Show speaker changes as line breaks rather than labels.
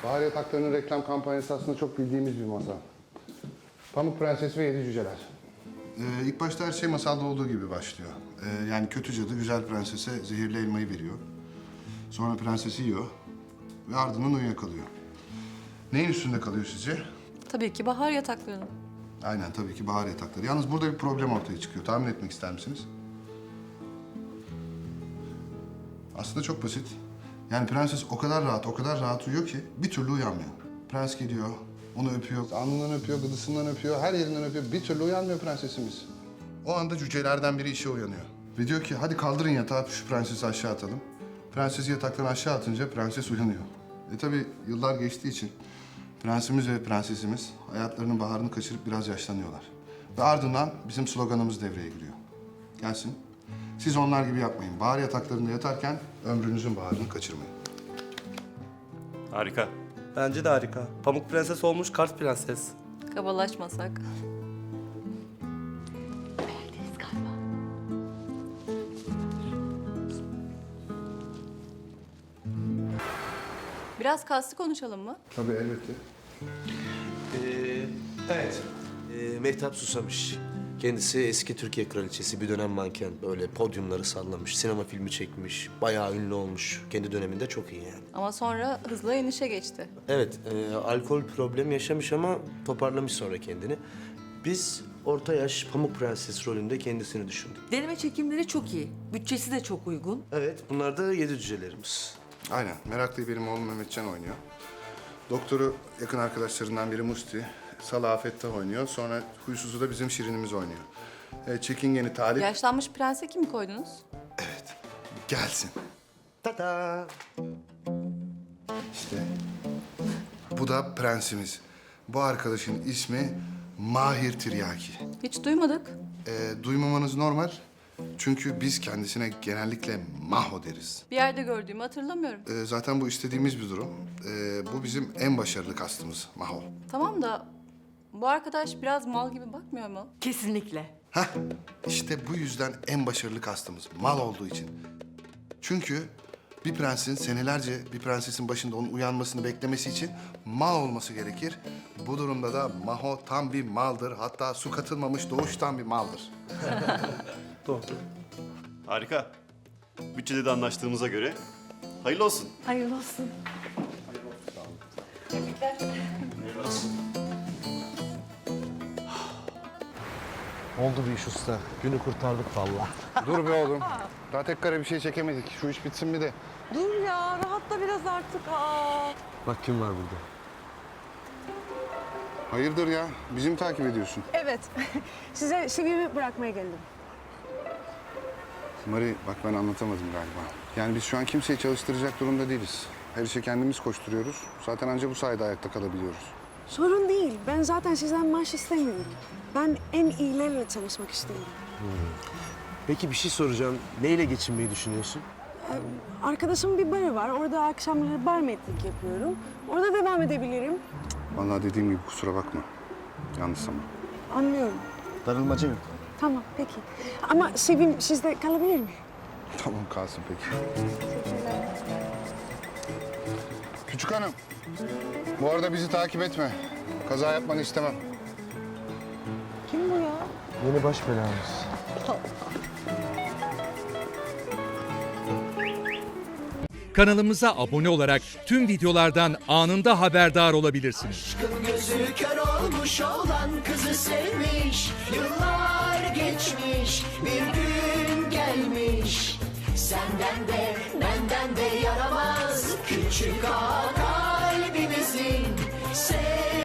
Bahar Yatakları'nın reklam kampanyası aslında çok bildiğimiz bir masal. Pamuk Prenses ve Yedi Cüceler. İlk başta her şey masalda olduğu gibi başlıyor. Yani kötü cadı güzel prensese zehirli elmayı veriyor. Sonra prensesi yiyor ve ardından uyuyakalıyor. Neyin üstünde kalıyor sizce?
Tabii ki bahar yataklarının.
Aynen tabii ki Bahar Yatakları. Yalnız burada bir problem ortaya çıkıyor. Tahmin etmek ister misiniz? Aslında çok basit. Yani prenses o kadar rahat uyuyor ki bir türlü uyanmıyor. Prens geliyor, onu öpüyor, alnından öpüyor, gıdısından öpüyor, her yerinden öpüyor. Bir türlü uyanmıyor prensesimiz. O anda cücelerden biri işe uyanıyor. Ve diyor ki hadi kaldırın yatağı, şu prensesi aşağı atalım. Prensesi yataktan aşağı atınca prenses uyanıyor. Tabii yıllar geçtiği için prensimiz ve prensesimiz hayatlarının baharını kaçırıp biraz yaşlanıyorlar. Ve ardından bizim sloganımız devreye giriyor. Gelsin. Siz onlar gibi yapmayın. Bahar yataklarında yatarken ömrünüzün baharını kaçırmayın.
Harika.
Bence de harika. Pamuk Prenses olmuş Kars Prenses.
Kabalaşmasak. Biraz kastı konuşalım mı?
Tabii elbette.
Evet. Mehtap Susamış. Kendisi eski Türkiye kraliçesi, bir dönem manken. Böyle podyumları sallamış, sinema filmi çekmiş. Bayağı ünlü olmuş. Kendi döneminde çok iyi yani.
Ama sonra hızla inişe geçti.
Evet, alkol problemi yaşamış ama toparlamış sonra kendini. Biz orta yaş Pamuk Prenses rolünde kendisini düşündük.
Deneme çekimleri çok iyi. Bütçesi de çok uygun.
Evet, bunlar da yedi cücelerimiz.
Aynen. Meraklı'yı benim oğlum Mehmetcan oynuyor. Doktoru yakın arkadaşlarından biri Musti. Salah Fettah oynuyor. Sonra Huysuzu da bizim Şirinimiz oynuyor. Çekingeni Talip.
Yaşlanmış prense kimi koydunuz?
Evet. Gelsin.
Ta-ta!
İşte. Bu da prensimiz. Bu arkadaşın ismi Mahir Tiryaki.
Hiç duymadık.
Duymamanız normal. Çünkü biz kendisine genellikle Maho deriz.
Bir yerde gördüğümü hatırlamıyorum.
Zaten bu istediğimiz bir durum. Bu bizim en başarılı kastımız Maho.
Tamam da bu arkadaş biraz mal gibi bakmıyor mu?
Kesinlikle.
Hah, işte bu yüzden en başarılı kastımız mal olduğu için. Çünkü bir prensin senelerce bir prensesin başında onun uyanmasını beklemesi için mal olması gerekir. Bu durumda da Maho tam bir maldır. Hatta su katılmamış doğuştan bir maldır.
Doğru.
Harika. Bütçede de anlaştığımıza göre hayırlı olsun.
Hayırlı olsun.
Oldu bir iş usta. Günü kurtardık vallahi.
Dur be oğlum. Daha tek kare bir şey çekemedik. Şu iş bitsin bir de.
Dur ya, rahatla biraz artık. Aa.
Bak kim var burada.
Hayırdır ya? Bizi mi takip ediyorsun?
Evet. Size CV'mi bırakmaya geldim.
Mari bak ben anlatamadım galiba. Yani biz şu an kimseyi çalıştıracak durumda değiliz. Her işe kendimiz koşturuyoruz. Zaten ancak bu sayede ayakta kalabiliyoruz.
Sorun değil. Ben zaten sizden maaş istemiyorum. Ben en iyilerle çalışmak istiyorum.
Peki bir şey soracağım. Neyle geçinmeyi düşünüyorsun?
Arkadaşımın bir barı var. Orada akşamları barmaidlik yapıyorum. Orada devam edebilirim.
Vallahi dediğim gibi kusura bakma. Yanlış ama.
Anlıyorum.
Darılmaca yok.
Tamam, peki. Ama CV'm sizde kalabilir mi?
Tamam kalsın peki. Küçük hanım. Bu arada bizi takip etme. Kaza yapmanı istemem.
Kim bu ya?
Yeni baş belamız.
Kanalımıza abone olarak tüm videolardan anında haberdar olabilirsiniz.
Aşkın gözü kör olmuş olan kızı sevmiş. Yıllar geçmiş, bir gün gelmiş. Senden de benden de yaramaz küçük ağa.